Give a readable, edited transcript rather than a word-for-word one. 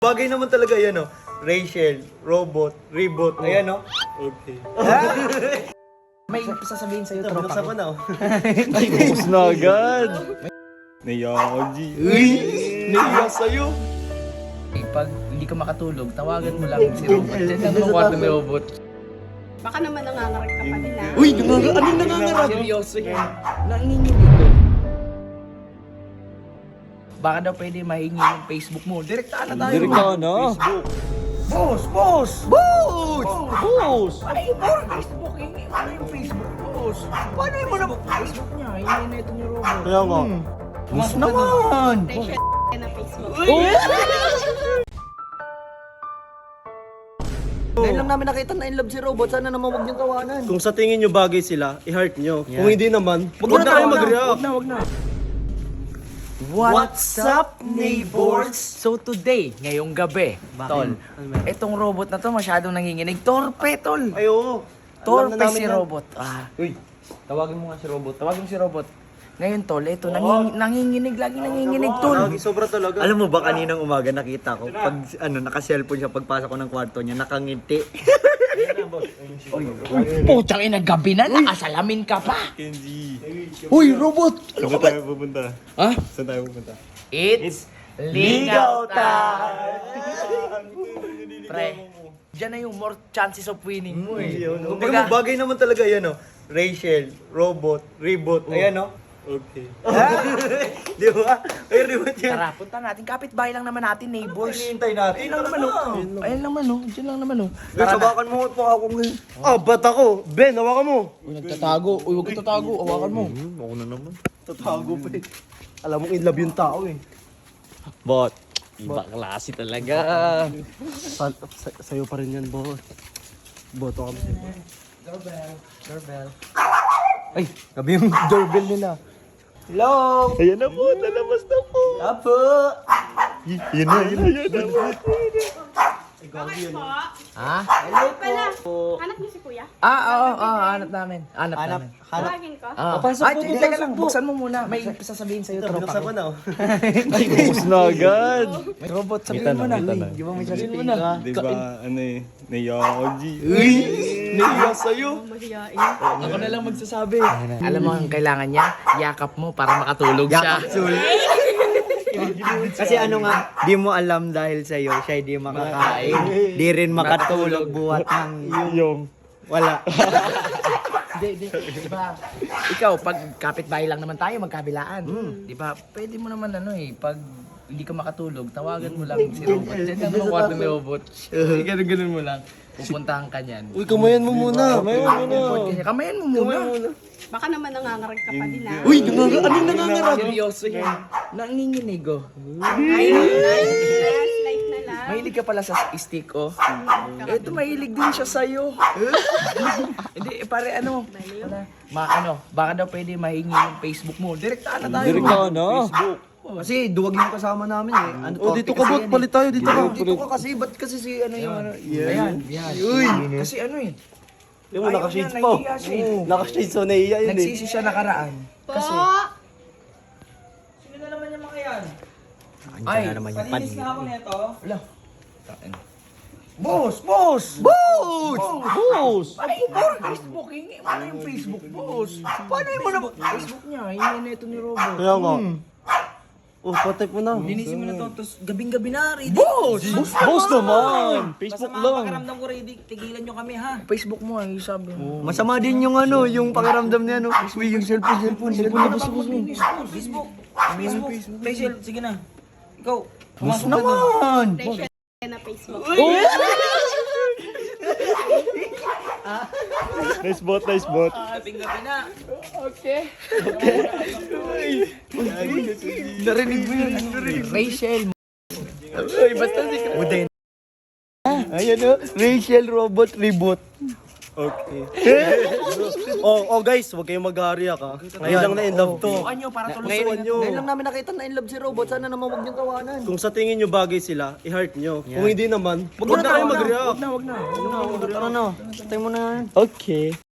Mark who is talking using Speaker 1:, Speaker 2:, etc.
Speaker 1: Bagay naman talaga yan, no? Rachel, robot, reboot, ayan, no? Okay.
Speaker 2: May sasabihin sa'yo, tropa
Speaker 1: Binuksan
Speaker 2: ko.
Speaker 1: ko na, oh. Ay, bukos na agad. Naiya ako, G. Uy! Naiya sa'yo.
Speaker 2: Pag hindi ka makatulog, tawagan mo lang si Robot. Diyan lang ang kwarto ni Robot.
Speaker 3: Baka naman nangangaral ka pa nila.
Speaker 1: Uy, anong nangangarap?
Speaker 2: Seryoso yan. Nanginginig ko. Baka daw pwede mahingi yung Facebook mo. Direktaan na tayo.
Speaker 1: Direkta na. Facebook.
Speaker 2: Boss! Boss!
Speaker 1: Boss! Boss!
Speaker 2: Ay, more Facebook. Hingi mo na yung Facebook, boss. Paano mo na Facebook niya? Hingi na ito ni Robot.
Speaker 1: Kaya nga.
Speaker 2: Boss naman!
Speaker 3: Rachel na Facebook.
Speaker 4: Ngayon lang namin nakita na in love si Robot. Sana naman huwag niyong tawanan.
Speaker 1: Kung sa tingin nyo bagay sila, i-heart nyo. Kung hindi naman, huwag na kayo mag-react.
Speaker 2: Wag na. What's up, neighbors? So today, ngayong gabi, tol, itong robot na to masyadong nanginginig. Torpe, tol!
Speaker 1: Ay, oo. Alam
Speaker 2: Torpe
Speaker 1: na namin
Speaker 2: si
Speaker 1: yan.
Speaker 2: Robot.
Speaker 1: Uy, tawagin mo nga si robot.
Speaker 2: Tawagin mo si Robot. Ngayon, tol, ito, nanginginig, lagi nanginginig, tol.
Speaker 1: Lagi, sobra talaga.
Speaker 4: Alam mo ba kaninang umaga nakita ko pag naka-cellphone siya pagpasok ko ng kwarto niya nakangiti.
Speaker 2: Putang ina, gabi na, nakasalamin ka pa.
Speaker 1: Kenji.
Speaker 2: Uy, Robot!
Speaker 1: Saan tayo pupunta?
Speaker 2: Ha?
Speaker 1: Saan tayo pupunta?
Speaker 2: It's legal time! Pre, dyan na yung more chances of winning mo eh.
Speaker 1: Kumbaga, bagay naman talaga yan, no? Rachel, robot, reboot, ayan, no? Okay. Di ba? Ay, reboot yan.
Speaker 2: Tara, punta natin. Kapit-bahay lang naman natin, neighbors.
Speaker 1: Hinihintay natin.
Speaker 2: Ayun lang naman, oh. Ayun naman, oh. Diyan lang naman, oh.
Speaker 1: Guys, hawakan mo pa ako ngayon. Ah, ba't ako? Ben, hawakan mo.
Speaker 2: Uy, nagtatago. Uy, huwag ka tatago. Hawakan mo.
Speaker 1: Ako na naman. Tatago pa eh. Alam mo, in love yung tao eh. Bot. Iba klase talaga. Sa'yo pa rin yan, bot. Boto kami sa'yo.
Speaker 2: Doorbell.
Speaker 1: Ay, gabi yung doorbell nila.
Speaker 2: Hello!
Speaker 1: Ayan na po, lalabas na po.
Speaker 2: Apo!
Speaker 1: Yan na.
Speaker 3: Bakit po?
Speaker 2: Ha?
Speaker 3: Hello po. Hanap niyo si kuya?
Speaker 2: Oo, hanap namin. Hanap namin.
Speaker 3: Tawagin ko.
Speaker 2: Pasok po, teka lang. Buksan mo muna. May sasabihin sa'yo, tropa
Speaker 1: Binuksan ko
Speaker 2: ko.
Speaker 1: na, oh. Ay, bukos na agad.
Speaker 2: May robot, sabihin mo na.
Speaker 4: Di ba may
Speaker 2: Sabihin mo na.
Speaker 1: Di ba, ano eh, naiya ako, G. Uy! Naiya sa'yo.
Speaker 3: Mahiyain.
Speaker 2: Ako na lang magsasabi. Alam mo ang kailangan niya? Yakap mo para makatulog siya.
Speaker 4: Kasi ano nga, di mo alam dahil sa'yo, siya di makakain. Di rin makatulog buhat ng
Speaker 1: Yung.
Speaker 4: wala.
Speaker 2: Di ba? Ikaw, pag kapitbahay lang naman tayo, magkabilaan. Di ba? Pwede mo naman ano eh, pag hindi ka makatulog, tawagan mo lang si Robot. Diyan lang ang kwarto ni Robot. Ganun mo lang. Pupuntahan ka niyan.
Speaker 1: Uy, kamayan mo muna.
Speaker 2: Kamayan mo muna.
Speaker 3: Baka naman nangangaral ka pa nila.
Speaker 1: Uy, anong nangangarap?
Speaker 2: Seryoso yan. Nanginginig oh.
Speaker 3: Light na lang.
Speaker 2: Mahilig ka pala sa stick oh. Ito mahilig din siya sa'yo. Hindi, pare ano. Baka daw pwede mahingi yung Facebook mo. Direktaan na tayo.
Speaker 1: Direkta na. Facebook.
Speaker 4: Kasi duwag yung kasama namin eh. Ano,
Speaker 1: Oh, dito ka, bot. Palit tayo, dito ka.
Speaker 4: Dito ka kasi, ba't kasi si ano yung ano?
Speaker 2: Ayan.
Speaker 1: Uy.
Speaker 2: Kasi ano eh.
Speaker 1: Yung
Speaker 2: Ayaw
Speaker 1: naka-shades
Speaker 2: niya,
Speaker 1: pa.
Speaker 2: nahihiya siya eh.
Speaker 1: Naka-shades, so naiya yun eh.
Speaker 2: Nagsisi siya nakaraan.
Speaker 3: Po.
Speaker 2: Sino na naman yung mga yan?
Speaker 4: Andiyan na naman yung pan.
Speaker 2: nito. Wala.
Speaker 4: Boss! Boss!
Speaker 1: Boss!
Speaker 2: Ay, more Facebook. Hingi mo na yung Facebook, boss. Paano mo na Facebook niya? Hingi na ito ni Robot.
Speaker 1: Kaya nga. Oh, patay po na.
Speaker 5: Linisin mo na to, tapos gabing-gabi na, ready.
Speaker 2: Boss!
Speaker 1: Boss naman! Facebook
Speaker 5: Masama ang
Speaker 1: lang.
Speaker 5: pakiramdam ko, ready. Tigilan nyo kami, ha?
Speaker 2: Facebook mo ay sabi mo.
Speaker 4: Masama din yung ano, yung pakiramdam niya no. Uy, yung cellphone.
Speaker 5: Facebook. Rachel, sige na. Ikaw, pumasok ka
Speaker 4: Naman!
Speaker 3: Rachel na Facebook.
Speaker 1: Nice bot, nice bot.
Speaker 5: Gabing-gabi na.
Speaker 4: Narinig mo yun.
Speaker 2: Rachel.
Speaker 4: Uy, basta si Udin. Ayan o, Rachel Robot Reboot.
Speaker 1: Okay. oh guys, huwag kayong mag-aariya ka. Ngayon lang na in love to.
Speaker 2: Sukan nyo para
Speaker 1: Ngayon nyo.
Speaker 4: Ngayon lang namin nakita na in love si Robot. Sana naman huwag niyong tawanan.
Speaker 1: Kung sa tingin nyo bagay sila, i-heart nyo. Kung hindi naman, huwag na kayo mag-react.
Speaker 2: Wag na.
Speaker 4: Tara na, tayo mo na.
Speaker 1: Okay.